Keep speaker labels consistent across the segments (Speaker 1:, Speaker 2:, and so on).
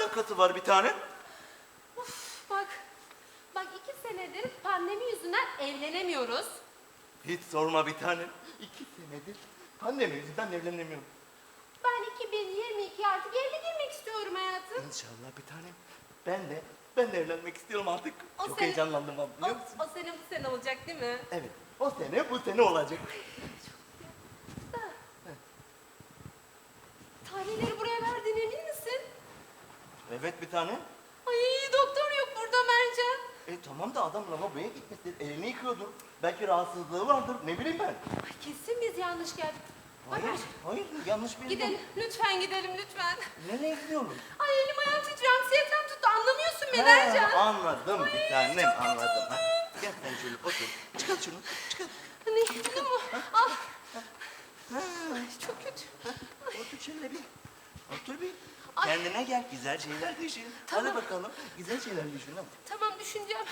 Speaker 1: alakası var bir tane?
Speaker 2: Bak 2 senedir pandemi yüzünden evlenemiyoruz.
Speaker 1: Hiç sorma bir tane. 2 senedir pandemi yüzünden evlenemiyorum.
Speaker 2: Ben 2022 artık evli girmek istiyorum hayatım.
Speaker 1: İnşallah bir tane. Ben de evlenmek istiyorum artık.
Speaker 2: O
Speaker 1: Çok
Speaker 2: sene-
Speaker 1: heyecanlandım abi, biliyor musun?
Speaker 2: O sene bu sene olacak değil mi?
Speaker 1: Evet. O sene bu sene olacak.
Speaker 2: Tarihleri buraya verdiğine emin misin?
Speaker 1: Evet bir tane.
Speaker 2: Ay doktor yok burada Mercan.
Speaker 1: Tamam da adam lavaboya gitmiştir. Elini yıkıyordur. Belki rahatsızlığı vardır. Ne bileyim ben.
Speaker 2: Ay kesin biz yanlış geldik.
Speaker 1: Hayır yanlış bir
Speaker 2: Gidelim lütfen gidelim lütfen.
Speaker 1: Nereye gidiyorum?
Speaker 2: Ay elim ayağım titriyor anksiyetem tuttu anlamıyorsun beni Ercan.
Speaker 1: Anladım bir tanem anladım. Ha, gel sen şöyle otur. Çıkart şunu çıkart.
Speaker 2: Ne bunu mu? Al. Ay, çok kötü.
Speaker 1: Otur şöyle bir. Otur bir.
Speaker 2: Ay.
Speaker 1: Kendine gel. Güzel şeyler düşün.
Speaker 2: Tamam.
Speaker 1: Hadi bakalım. Güzel şeyler düşün. Hadi.
Speaker 2: Tamam düşüneceğim.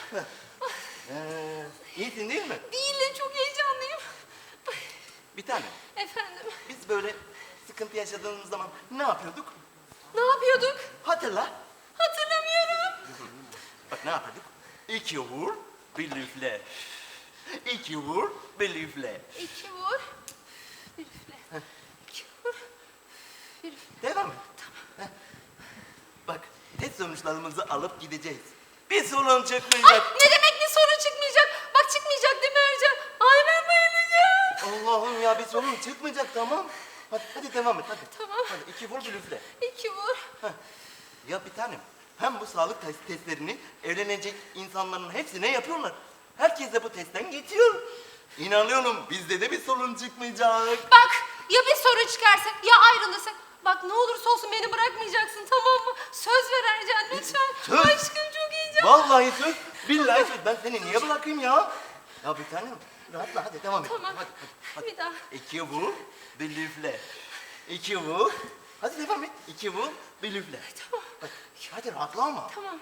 Speaker 1: İyisin değil mi?
Speaker 2: Değilim çok heyecanlıyım.
Speaker 1: Bir tane.
Speaker 2: Efendim
Speaker 1: Biz böyle sıkıntı yaşadığımız zaman ne yapıyorduk?
Speaker 2: ne yapıyorduk?
Speaker 1: Hatırla.
Speaker 2: Hatırlamıyorum.
Speaker 1: Bak ne yapıyorduk? 2 vur, bir üfle. 2 vur, bir üfle.
Speaker 2: 2 vur. Bir üfle. 2 vur. Bir üfle.
Speaker 1: Devam et. Tamam. Bak, test sonuçlarımızı alıp gideceğiz. Bir sorun
Speaker 2: Ay
Speaker 1: çıkmayacak.
Speaker 2: ne demek bir sorun çıkmayacak? Bak çıkmayacak değil mi Ercan? Ay ben bayılacağım.
Speaker 1: Allah'ım ya bir sorun çıkmayacak tamam. Hadi devam et hadi.
Speaker 2: Tamam.
Speaker 1: Hadi 2 vur bir üfle.
Speaker 2: 2 vur.
Speaker 1: Ya bir tanem hem bu sağlık testlerini evlenecek insanların hepsine yapıyorlar. Herkes de bu testten geçiyor. İnanıyorum bizde de bir sorun çıkmayacak.
Speaker 2: Bak ya bir sorun çıkarsa ya ayrılırsak. Bak ne olursa olsun beni bırakmayacaksın tamam mı? Söz ver Ercan lütfen.
Speaker 1: Söz.
Speaker 2: Aşkım çok heyecanlı.
Speaker 1: Vallahi söz, billahi söz. Ben seni niye bırakayım ya? Ya bir tanem rahatla hadi devam et.
Speaker 2: Tamam.
Speaker 1: Hadi.
Speaker 2: Bir daha.
Speaker 1: 2 vur, bir üfle. 2 vur. Hadi devam et. 2 vur, bir üfle.
Speaker 2: Tamam.
Speaker 1: Hadi rahatla ama.
Speaker 2: Tamam.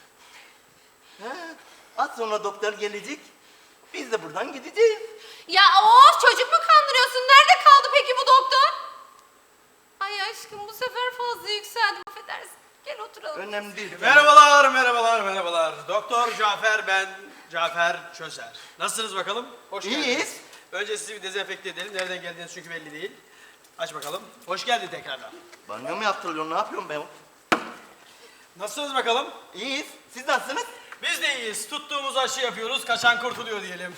Speaker 1: Az sonra doktor gelecek. Biz de buradan gideceğiz.
Speaker 2: Ya of çocuk mu kandırıyorsun? Nerede kaldı peki bu doktor? Ay aşkım bu sefer fazla yükseldim affedersin. Gel oturalım.
Speaker 1: Önemli değil.
Speaker 3: Merhabalar. Doktor Cafer ben, Cafer Çözer. Nasılsınız bakalım? Hoş
Speaker 1: İyiyiz.
Speaker 3: geldiniz. Önce sizi bir dezenfekte edelim. Nereden geldiğiniz çünkü belli değil. Aç bakalım. Hoş geldin tekrardan.
Speaker 1: Banyo mu yaptırıyorsun? Ne yapıyorum ben?
Speaker 3: Nasılsınız bakalım?
Speaker 1: İyiyiz. Siz nasılsınız?
Speaker 3: Biz de iyiyiz. Tuttuğumuz aşı yapıyoruz. Kaçan kurtuluyor diyelim.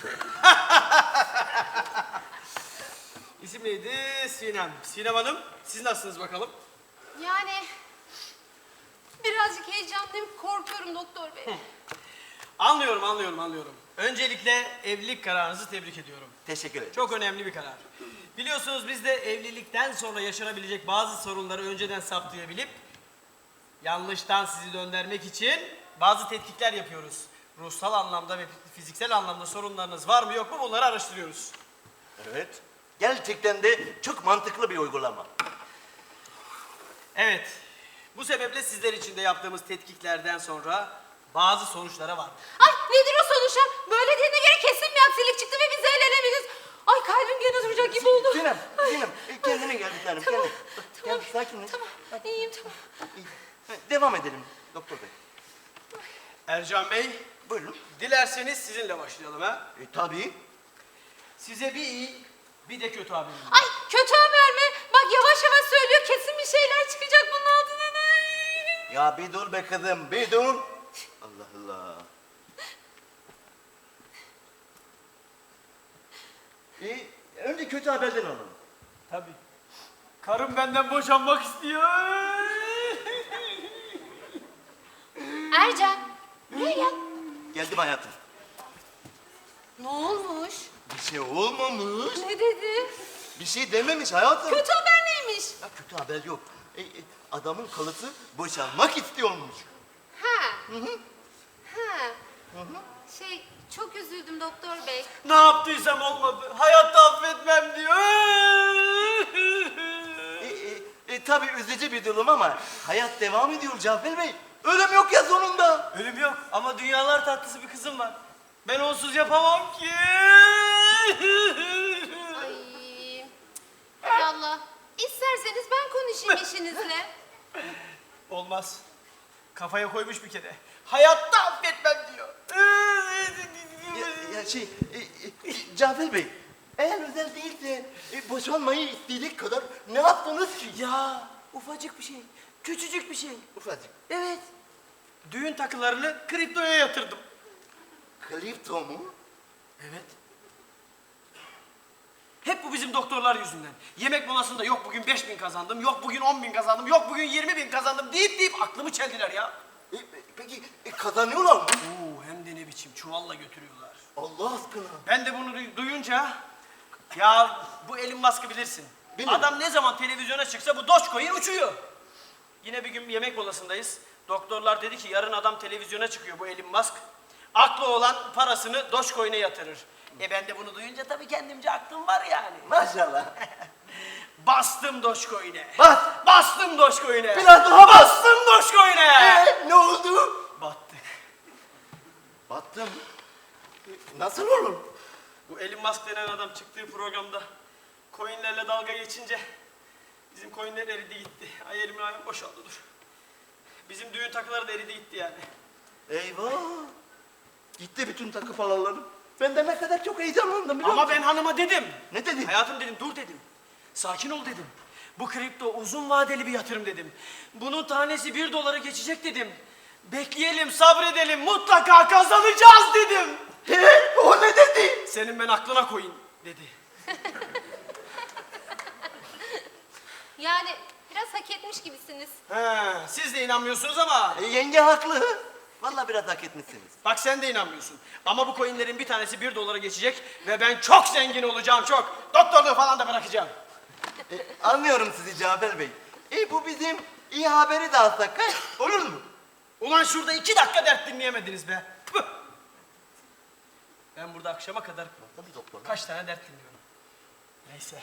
Speaker 3: İsim neydi? Sinem. Sinem Hanım, siz nasılsınız bakalım?
Speaker 2: Yani birazcık heyecanlıyım korkuyorum doktor bey.
Speaker 3: Anlıyorum. Öncelikle evlilik kararınızı tebrik ediyorum.
Speaker 1: Teşekkür ederim.
Speaker 3: Çok önemli bir karar. Biliyorsunuz biz de evlilikten sonra yaşanabilecek bazı sorunları önceden saptayabilip yanlıştan sizi döndürmek için bazı tetkikler yapıyoruz. Ruhsal anlamda ve fiziksel anlamda sorunlarınız var mı yok mu bunları araştırıyoruz.
Speaker 1: Evet. Gerçekten de çok mantıklı bir uygulama.
Speaker 3: Evet. Bu sebeple sizler için de yaptığımız tetkiklerden sonra bazı sonuçlara var.
Speaker 2: Ay nedir o sonuçlar? Böyle dediğine göre kesin bir aksilik çıktı ve biz evlenemeyiz. Ay kalbim gene duracak gibi oldu.
Speaker 1: Sinem, kendine gel bir tanem.
Speaker 2: Tamam,
Speaker 1: Kendine. Gel sakinleş.
Speaker 2: Tamam iyiyim tamam.
Speaker 1: İyi. Devam edelim doktor bey.
Speaker 3: Ercan Bey,
Speaker 1: Buyurun.
Speaker 3: dilerseniz sizinle başlayalım ha.
Speaker 1: Tabii.
Speaker 3: Size bir iyi, bir de kötü haberim var.
Speaker 2: Ay kötü haber mi? Bak yavaş yavaş söylüyor kesin bir şeyler çıkacak bunun altından. Ay.
Speaker 1: Ya bir dur be kızım, bir dur. Allah Allah. Önce kötü haberden alalım.
Speaker 3: Tabii. Karım benden boşanmak istiyor.
Speaker 2: Ercan buraya gel.
Speaker 1: Geldim hayatım.
Speaker 2: Ne olmuş?
Speaker 1: Bir şey olmamış.
Speaker 2: Ne dedi?
Speaker 1: Bir şey dememiş hayatım.
Speaker 2: Kötü haber neymiş?
Speaker 1: Ya kötü haber yok. Adamın kalısı boşanmak istiyormuş.
Speaker 2: Ha. Ha. Şey çok üzüldüm doktor bey.
Speaker 3: Ne yaptıysam olmadı. Hayatta affetmem diyor.
Speaker 1: Tabii üzücü bir durum ama hayat devam ediyor Cafer Bey. Ölüm yok ya sonunda.
Speaker 3: Ölüm yok ama dünyalar tatlısı bir kızım var. Ben onsuz yapamam ki.
Speaker 2: Ay. Hay Allah. İsterseniz ben konuşayım eşinizle.
Speaker 3: Olmaz. Kafaya koymuş bir kere. Hayatta affetmem diyor.
Speaker 1: Cafer Bey, eğer özel değilse boşanmayı isteyecek kadar ne yaptınız ki?
Speaker 3: Ya ufacık bir şey. Küçücük bir şey.
Speaker 1: Ufacık.
Speaker 3: Evet. Düğün takılarını kriptoya yatırdım.
Speaker 1: Kripto mu?
Speaker 3: Evet. Hep bu bizim doktorlar yüzünden. Yemek molasında yok bugün 5.000 kazandım, yok bugün 10.000 kazandım, yok bugün 20.000 kazandım deyip aklımı çeldiler ya.
Speaker 1: Peki kazanıyorlar mı?
Speaker 3: Oo, hem de ne biçim çuvalla götürüyorlar.
Speaker 1: Allah aşkına.
Speaker 3: Ben de bunu duyunca ya bu Elon Musk'ı bilirsin.
Speaker 1: Bilirim.
Speaker 3: Adam ne zaman televizyona çıksa bu Dogecoin uçuyor. Yine bir gün bir yemek molasındayız. Doktorlar dedi ki yarın adam televizyona çıkıyor bu Elon Musk. Aklı olan parasını Dogecoin'e yatırır. Ben de bunu duyunca tabii kendimce aklım var yani.
Speaker 1: Maşallah.
Speaker 3: Bastım Dogecoin'e.
Speaker 1: Bas.
Speaker 3: Bastım Dogecoin'e.
Speaker 1: Biraz daha bas.
Speaker 3: Bastım Dogecoin'e.
Speaker 1: Ne oldu?
Speaker 3: Battık.
Speaker 1: Battım. Nasıl olur?
Speaker 3: Bu Elon Musk denen adam çıktığı programda coinlerle dalga geçince bizim coinler eridi gitti. Ay elimin ayağım boşaldı dur. Bizim düğün takıları da eridi gitti yani.
Speaker 1: Eyvah. Gitti bütün takı paralarım. Ben de ne kadar çok heyecanlandım biliyor
Speaker 3: Ama
Speaker 1: musun?
Speaker 3: ben hanıma dedim.
Speaker 1: Ne dedin?
Speaker 3: Hayatım dedim dur dedim. Sakin ol dedim. Bu kripto uzun vadeli bir yatırım dedim. Bunun tanesi 1 dolara geçecek dedim. Bekleyelim, sabredelim, mutlaka kazanacağız dedim.
Speaker 1: O ne dedi?
Speaker 3: Senin ben aklına koyun dedi.
Speaker 2: Yani biraz hak etmiş gibisiniz.
Speaker 3: He, siz de inanmıyorsunuz ama
Speaker 1: Yenge haklı. Vallahi biraz hak etmişsiniz.
Speaker 3: bak sen de inanmıyorsun. Ama bu coinlerin bir tanesi 1 dolara geçecek ve ben çok zengin olacağım çok. Doktorluğu falan da bırakacağım.
Speaker 1: Anlıyorum sizi Cafer Bey. Bu bizim iyi haberi de alsak ha? Olur mu?
Speaker 3: Ulan şurada 2 dakika dert dinleyemediniz be. Püh! Ben burada akşama kadar
Speaker 1: Tabii doktor.
Speaker 3: kaç tane dert dinliyorum. Neyse.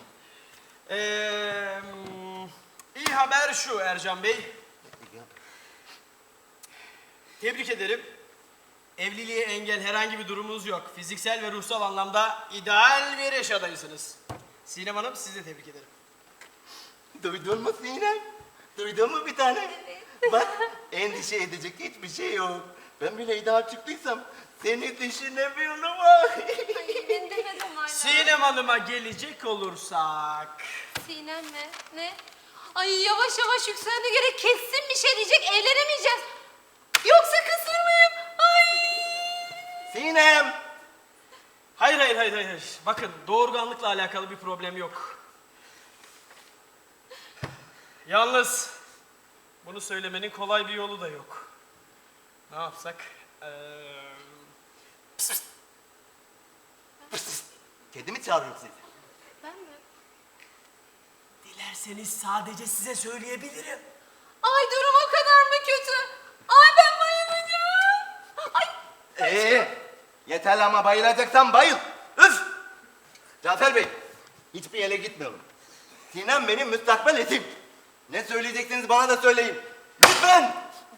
Speaker 3: İyi haber şu Ercan Bey. Tebrik ederim. Evliliğe engel herhangi bir durumunuz yok. Fiziksel ve ruhsal anlamda ideal bir eş adayısınız. Sinem Hanım sizi de tebrik ederim.
Speaker 1: Duydun mu Sinem? Duydun mu bir tane? Bak endişe edecek hiçbir şey yok. Ben bile iddia çıktıysam seni düşünemiyorum.
Speaker 2: Ay ben demedim hala.
Speaker 3: Sinem Hanım'a gelecek olursak...
Speaker 2: Sinem mi? Ne? Ay yavaş yavaş yükselene göre kesin bir şey diyecek, evlenemeyeceğiz. Yoksa kısır mıyım? Ay!
Speaker 1: Sinem!
Speaker 3: Hayır. Bakın doğurganlıkla alakalı bir problem yok. Yalnız bunu söylemenin kolay bir yolu da yok. Ne yapsak?
Speaker 1: Kedi mi çağırıyor sizi?
Speaker 2: Ben mi?
Speaker 3: Dilerseniz sadece size söyleyebilirim.
Speaker 2: Ay durum o kadar mı kötü? Ay ben bayılacağım. Ay
Speaker 1: Yeter ama bayılacaksan bayıl. Üf! Cafer Bey, hiçbir yere gitmiyorum. Sinem benim müstakbel eşim. Ne söyleyeceksiniz bana da söyleyin. Lütfen!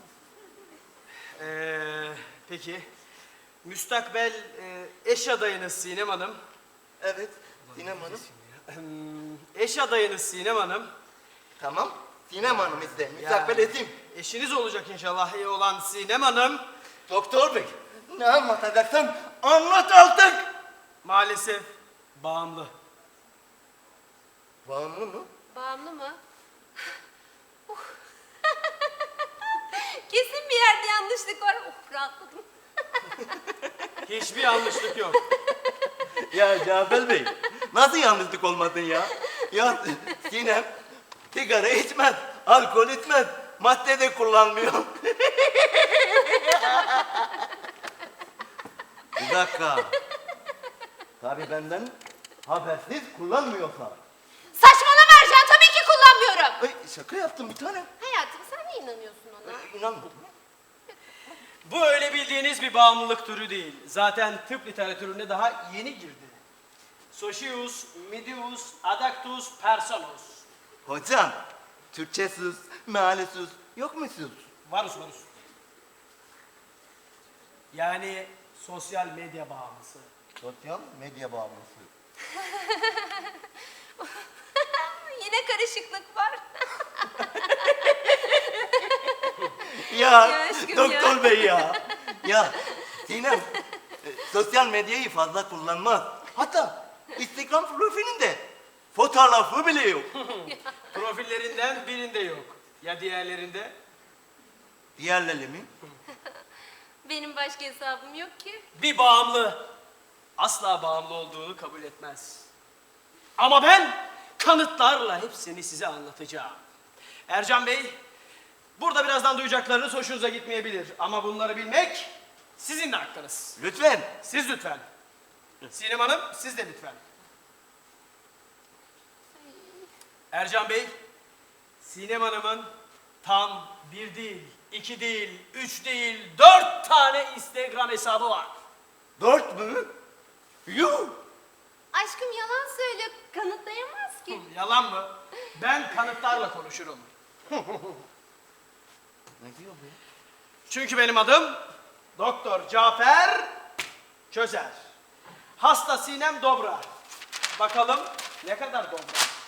Speaker 3: Peki. Müstakbel eş adayınız Sinem Hanım.
Speaker 1: Evet, Sinem Hanım.
Speaker 3: Eş adayınız Sinem Hanım.
Speaker 1: Tamam, Sinem Hanım işte, müstakbel eşim.
Speaker 3: Eşiniz olacak inşallah iyi olan Sinem Hanım.
Speaker 1: Doktor Bey, ne anlatacaksan anlat artık.
Speaker 3: Maalesef bağımlı.
Speaker 1: Bağımlı mı?
Speaker 2: bağımlı mı? Kesin bir yerde yanlışlık var. Rahatladım.
Speaker 3: Hiçbir yanlışlık yok.
Speaker 1: Ya Cafer Bey, nasıl yanlışlık olmadın ya? Ya Sinem sigara içmez, alkol içmez, madde de kullanmıyor. Bir dakika. Tabii benden habersiz kullanmıyorsa.
Speaker 2: Saçmalama Ercan, tabii ki kullanmıyorum.
Speaker 1: Ay, şaka yaptım bir tane.
Speaker 2: Hayatım sen niye inanıyorsun ona?
Speaker 1: İnanmadım.
Speaker 3: Bu öyle bildiğiniz bir bağımlılık türü değil. Zaten tıp literatürüne daha yeni girdi. Socius, medius, adactus, personus.
Speaker 1: Hocam, Türkçe sus, meali sus, yok mu sus?
Speaker 3: Varus. Yani sosyal medya bağımlısı.
Speaker 1: Sosyal medya bağımlısı.
Speaker 2: Yine karışıklık var.
Speaker 1: Ya
Speaker 2: aşkım
Speaker 1: doktor
Speaker 2: ya.
Speaker 1: bey ya. Ya Sinem sosyal medyayı fazla kullanmaz. Hatta Instagram profilinde fotoğrafı bile yok.
Speaker 3: Profillerinden birinde yok. Ya diğerlerinde?
Speaker 1: Diğerleri mi?
Speaker 2: Benim başka hesabım yok ki.
Speaker 3: Bir bağımlı asla bağımlı olduğunu kabul etmez. Ama ben kanıtlarla hepsini size anlatacağım. Ercan Bey, burada birazdan duyacaklarınız hoşunuza gitmeyebilir. Ama bunları bilmek sizin de hakkınız.
Speaker 1: Lütfen.
Speaker 3: Siz lütfen. Sinem Hanım, siz de lütfen. Ercan Bey, Sinem Hanım'ın tam 1 değil, 2 değil, 3 değil, 4 tane Instagram hesabı var.
Speaker 1: 4 mü? Yuh!
Speaker 2: Aşkım yalan söylüyor. Kanıtlayamaz ki.
Speaker 3: Yalan mı? Ben kanıtlarla konuşurum.
Speaker 1: Ne diyor bu?
Speaker 3: Çünkü benim adım Doktor Cafer Közer. Hasta Sinem Dobra. Bakalım ne kadar dobra.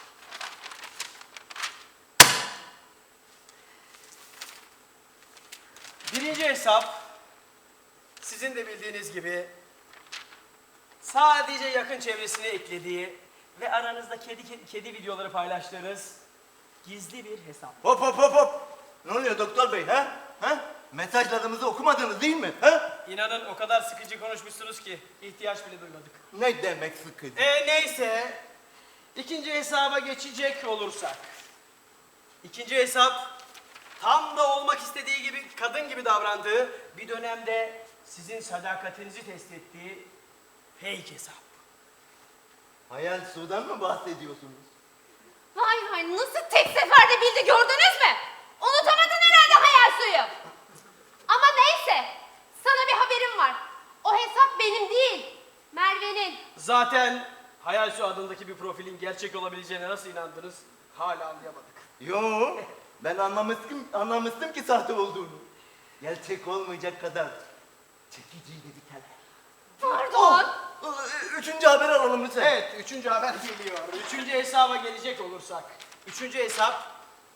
Speaker 3: Birinci hesap sizin de bildiğiniz gibi sadece yakın çevresine eklediği ve aranızda kedi videoları paylaştığınız gizli bir hesap.
Speaker 1: Hop hop hop hop. Ne oluyor doktor bey ha? Ha? Mesajlarımızı okumadınız değil mi? Ha?
Speaker 3: İnanın o kadar sıkıcı konuşmuşsunuz ki ihtiyaç bile duymadık.
Speaker 1: Ne demek sıkıcı?
Speaker 3: Neyse. İkinci hesaba geçecek olursak. İkinci hesap tam da olmak istediği gibi kadın gibi davrandığı bir dönemde sizin sadakatinizi test ettiği fake hesap.
Speaker 1: Hayal sudan mı bahsediyorsunuz?
Speaker 2: Vay vay nasıl tek seferde bildi gördünüz mü? Unutamadın herhalde hayal suyu. Ama neyse sana bir haberim var. O hesap benim değil. Merve'nin.
Speaker 3: Zaten Hayal Su adındaki bir profilin gerçek olabileceğine nasıl inandınız hala anlayamadık.
Speaker 1: Yo, ben anlamıştım ki sahte olduğunu. Gerçek olmayacak kadar çekiciydi bir tane.
Speaker 2: Pardon.
Speaker 1: Üçüncü haber alalım lütfen.
Speaker 3: Evet, üçüncü haber geliyor. Üçüncü hesaba gelecek olursak. Üçüncü hesap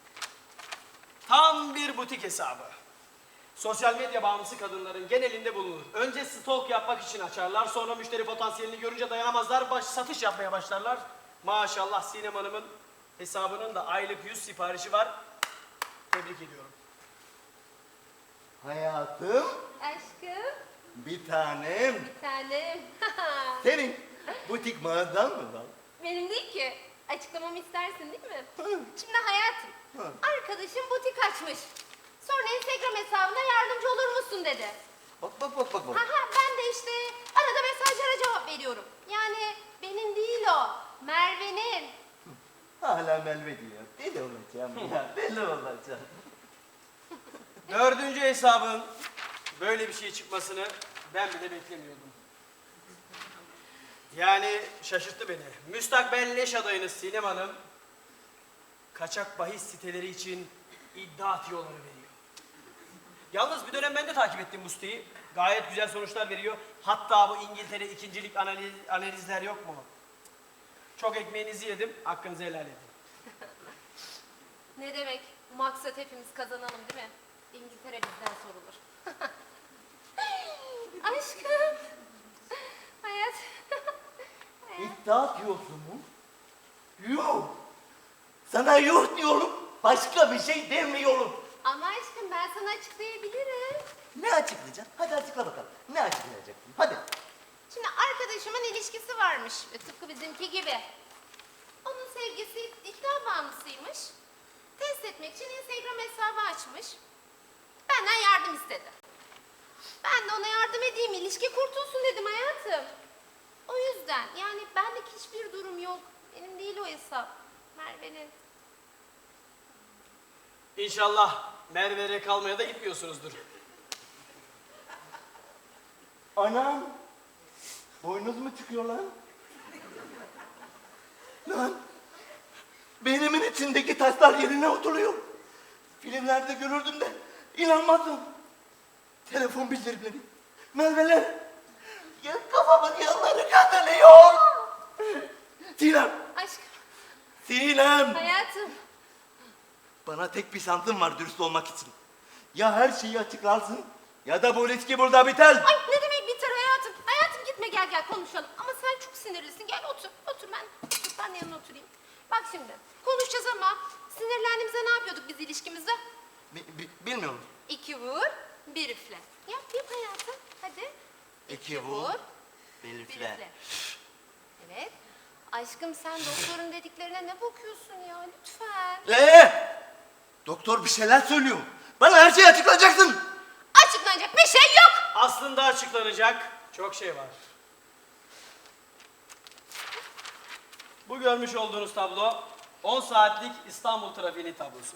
Speaker 3: tam bir butik hesabı. Sosyal medya bağımlısı kadınların genelinde bulunur. Önce stalk yapmak için açarlar, sonra müşteri potansiyelini görünce dayanamazlar, satış yapmaya başlarlar. Maşallah Sinem Hanım'ın hesabının da aylık 100 siparişi var. Tebrik ediyorum.
Speaker 1: Hayatım,
Speaker 2: Aşkım.
Speaker 1: bir tanem.
Speaker 2: Bir tanem.
Speaker 1: Senin butik mağazan mı var?
Speaker 2: Benim değil ki. Açıklamamı istersin değil mi? Şimdi hayatım. Arkadaşım butik açmış. Sonra Instagram hesabına yardımcı olur musun dedi.
Speaker 1: Bak bak bak bak. bak.
Speaker 2: Aha, ben de işte arada mesajlara cevap veriyorum. Yani benim değil o. Merve'nin.
Speaker 1: Hala Melve diyor. Deli olacağım ya, deli olacağım.
Speaker 3: Dördüncü hesabın böyle bir şey çıkmasını ben bile beklemiyordum. Yani şaşırttı beni. Müstakbel leş adayınız Sinem Hanım kaçak bahis siteleri için iddia tiyoları veriyor. Yalnız bir dönem ben de takip ettim bu siteyi. Gayet güzel sonuçlar veriyor. Hatta bu İngiltere ikincilik analizler yok mu? Çok ekmeğinizi yedim, hakkınızı helal edin.
Speaker 2: Ne demek? Maksat hepimiz kazanalım değil mi? İngiltere bizden sorulur. Aşkım. Hayat.
Speaker 1: İddia diyorsun mu? Yuh! Sana yuh diyorum, başka bir şey demiyorum.
Speaker 2: Ama aşkım ben sana açıklayabilirim.
Speaker 1: Ne açıklayacaksın? Hadi açıkla bakalım. Ne açıklayacaksın? Hadi.
Speaker 2: Şimdi arkadaşımın ilişkisi varmış. Tıpkı bizimki gibi. Onun sevgisi iddia bağımlısıymış. Test etmek için Instagram hesabı açmış. Benden yardım istedi. Ben de ona yardım edeyim, ilişki kurtulsun dedim hayatım. O yüzden yani benlik hiçbir durum yok. Benim değil o hesap. Merve'nin.
Speaker 3: İnşallah Merve'ye kalmaya da gitmiyorsunuzdur.
Speaker 1: Anam! Boynuz mu çıkıyor lan? Lan! Beynimin içindeki taşlar yerine oturuyor. Filmlerde görürdüm de inanmadım. Telefon bildirimleri, Merve'ler. Ya kafamın yanları kazanıyor. Sinem!
Speaker 2: Aşkım,
Speaker 1: Sinem!
Speaker 2: hayatım.
Speaker 1: Bana tek bir şansım var dürüst olmak için. Ya her şeyi açıklarsın ya da bu ilişki burada biter.
Speaker 2: Ay ne demek biter hayatım? Hayatım gitme gel konuşalım. Ama sen çok sinirlisin. Gel otur ben de yanına oturayım. Bak şimdi konuşacağız ama sinirlendiğimizde ne yapıyorduk biz ilişkimizde?
Speaker 1: Bilmiyorum.
Speaker 2: 2 vur, 1 üfle. Yap hayatım. Hadi.
Speaker 1: 2 vur, 1
Speaker 2: 1
Speaker 1: üfle.
Speaker 2: üfle. Evet. Aşkım sen doktorun dediklerine ne bakıyorsun ya lütfen.
Speaker 1: Doktor bir şeyler söylüyor. Bana her şeyi açıklayacaksın.
Speaker 2: Açıklanacak bir şey yok.
Speaker 3: Aslında açıklanacak çok şey var. Bu görmüş olduğunuz tablo 10 saatlik İstanbul trafiğinin tablosu.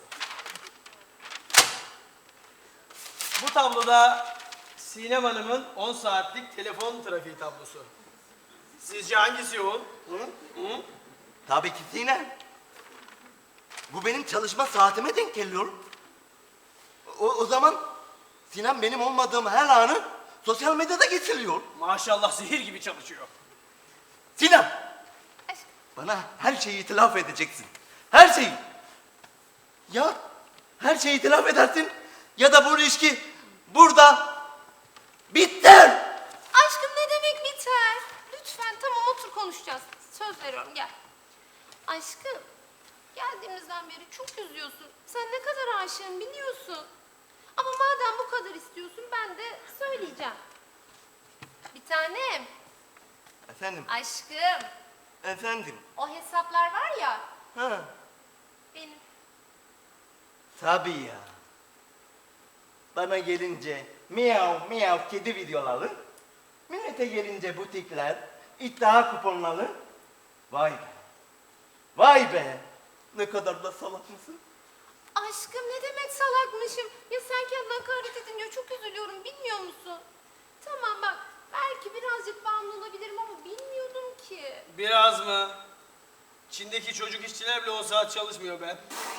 Speaker 3: Bu tabloda Sinem Hanım'ın 10 saatlik telefon trafiği tablosu. Sizce hangisi yoğun?
Speaker 1: Tabii ki Sinem. Bu benim çalışma saatime denk geliyor. O zaman Sinem benim olmadığım her anı sosyal medyada geçiriyor.
Speaker 3: Maşallah zehir gibi çalışıyor.
Speaker 1: Sinem,
Speaker 2: Aşkım.
Speaker 1: bana her şeyi itiraf edeceksin. Her şeyi. Ya her şeyi itiraf edersin ya da bu ilişki burada biter.
Speaker 2: Aşkım ne demek biter? Lütfen tamam otur konuşacağız. Söz veriyorum gel. Aşkım geldiğimizden beri çok üzüyorsun. Sen ne kadar aşığım biliyorsun. Ama madem bu kadar istiyorsun ben de söyleyeceğim. Bir tanem.
Speaker 1: Efendim,
Speaker 2: Aşkım
Speaker 1: efendim.
Speaker 2: o hesaplar var ya
Speaker 1: Ha,
Speaker 2: benim.
Speaker 1: tabii ya. Bana gelince miyav miyav kedi videoları, millete gelince butikler, iddia kuponları. Vay be. Vay be. Ne kadar da salak mısın?
Speaker 2: Aşkım ne demek salakmışım? Ya sen kendine hakaret edince çok üzülüyorum bilmiyor musun? Tamam bak belki birazcık bağımlı olabilirim ama bilmiyordum ki.
Speaker 3: Biraz mı? Çin'deki çocuk işçiler bile 10 saat çalışmıyor be.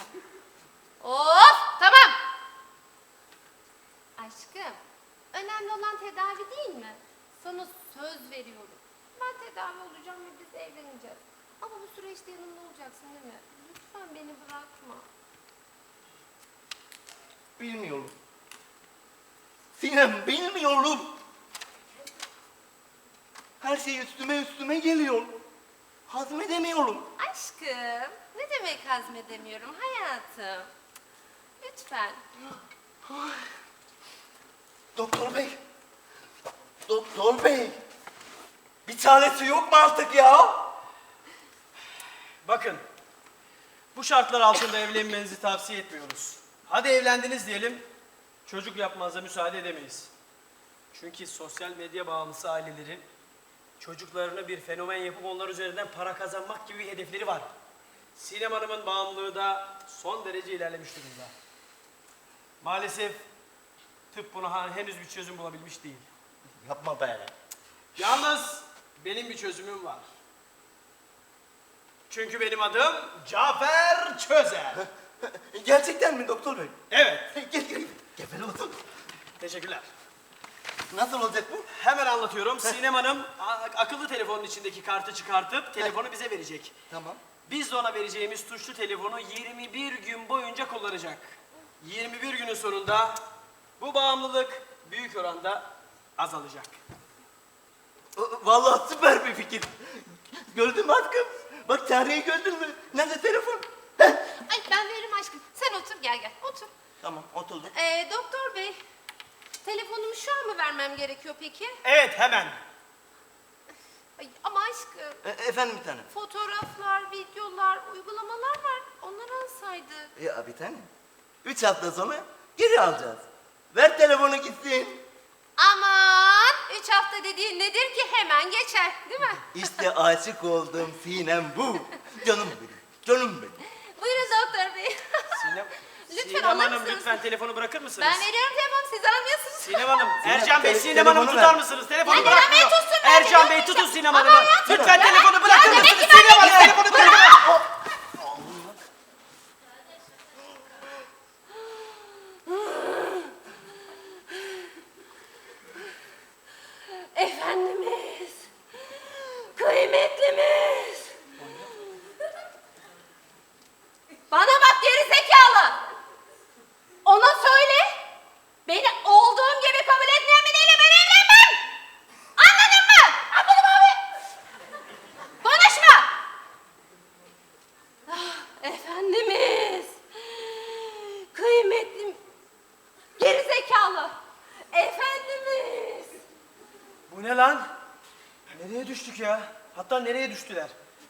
Speaker 2: Of tamam. Aşkım önemli olan tedavi değil mi? Sana söz veriyorum. Ben tedavi olacağım ve biz evleneceğiz. Ama bu süreçte yanımda olacaksın değil mi? Lütfen beni bırakma.
Speaker 1: Bilmiyorum. Sinem bilmiyorum. Her şey üstüme geliyor. Hazmedemiyorum.
Speaker 2: Aşkım ne demek hazmedemiyorum hayatım? Lütfen.
Speaker 1: Doktor bey. Doktor bey. Bir çaresi yok mu artık ya?
Speaker 3: Bakın, bu şartlar altında evlenmenizi tavsiye etmiyoruz. Hadi evlendiniz diyelim, çocuk yapmanıza müsaade edemeyiz. Çünkü sosyal medya bağımlısı ailelerin çocuklarını bir fenomen yapıp onlar üzerinden para kazanmak gibi bir hedefleri var. Sinem Hanım'ın bağımlılığı da son derece ilerlemiş durumda. Maalesef tıp buna henüz bir çözüm bulabilmiş değil.
Speaker 1: Yapma be.
Speaker 3: Yalnız benim bir çözümüm var. Çünkü benim adım Cafer Çözer.
Speaker 1: Gerçekten mi doktor bey?
Speaker 3: Evet,
Speaker 1: Gel. Gel otur.
Speaker 3: teşekkürler.
Speaker 1: Nasıl olacak bu?
Speaker 3: Hemen anlatıyorum. Sinem Hanım akıllı telefonun içindeki kartı çıkartıp telefonu bize verecek.
Speaker 1: Tamam.
Speaker 3: Biz de ona vereceğimiz tuşlu telefonu 21 gün boyunca kullanacak. 21 günün sonunda bu bağımlılık büyük oranda azalacak.
Speaker 1: Vallahi süper bir fikir. Gördün mü aşkım? Bak çareyi gördün mü? Nerede telefon? Heh.
Speaker 2: Ay ben veririm aşkım. Sen otur gel otur.
Speaker 1: Tamam oturdum.
Speaker 2: Doktor bey telefonumu şu an mı vermem gerekiyor peki?
Speaker 3: Evet, hemen.
Speaker 2: Ay, ama aşkım
Speaker 1: Efendim bir tanem.
Speaker 2: fotoğraflar, videolar, uygulamalar var. Onları alsaydık.
Speaker 1: Ya bir tanem. 3 hafta sonra geri alacağız. Ver telefonu gitsin.
Speaker 2: Aman 3 hafta dediğin nedir ki hemen geçer değil mi?
Speaker 1: İşte aşık olduğum Sinem bu. Canım benim. Canım benim.
Speaker 2: Buyurun doktor bey.
Speaker 3: Sinem,
Speaker 2: Lütfen
Speaker 3: Sinem
Speaker 2: alır
Speaker 3: Hanım
Speaker 2: mısınız?
Speaker 3: lütfen telefonu bırakır mısınız?
Speaker 2: Ben veriyorum telefonu siz almıyorsunuz.
Speaker 3: Sinem Hanım,
Speaker 1: Sinem,
Speaker 3: Ercan Bey, Sinem
Speaker 1: telefonu
Speaker 3: Hanım'ı
Speaker 1: ver.
Speaker 3: tutar mısınız? Telefonu
Speaker 2: Ya Ercan Bey
Speaker 3: bırakmıyor.
Speaker 2: tutsun, ben
Speaker 3: Ercan
Speaker 2: de
Speaker 3: Bey
Speaker 2: vermeyeceğim.
Speaker 3: tutun Sinem
Speaker 2: Ama
Speaker 3: Hanım'ı.
Speaker 2: hayatım,
Speaker 3: Lütfen
Speaker 2: ya
Speaker 3: telefonu bırakır
Speaker 2: demek
Speaker 3: mısınız?
Speaker 2: ki ben
Speaker 3: Sinem Hanım
Speaker 2: vermeyeceğim.
Speaker 3: telefonu
Speaker 2: Efendimiz, kıymetlimiz. Bana bak geri zekalı. Ona söyle,
Speaker 3: ne lan? Nereye düştük ya? Hatta nereye düştüler?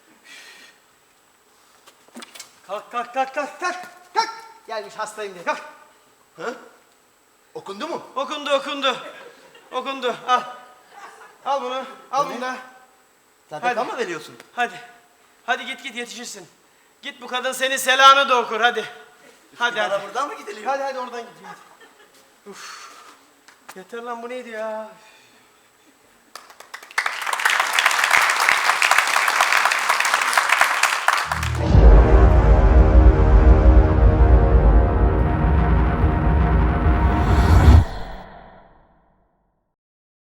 Speaker 3: Kalk kalk kalk kalk kalk. Kalk. Gelmiş hastayım diye kalk.
Speaker 1: Ha? Okundu mu?
Speaker 3: Okundu okundu. Okundu al. Al bunu. Al bunu da.
Speaker 1: Sadaka
Speaker 3: Hadi.
Speaker 1: mı veriyorsun?
Speaker 3: Hadi. Hadi git git yetişirsin. Git bu kadın senin selamını da okur hadi. Hadi
Speaker 1: Bana
Speaker 3: hadi.
Speaker 1: buradan mı gidiliyor?
Speaker 3: Hadi hadi oradan git. Hadi. Uf. Yeter lan bu neydi ya?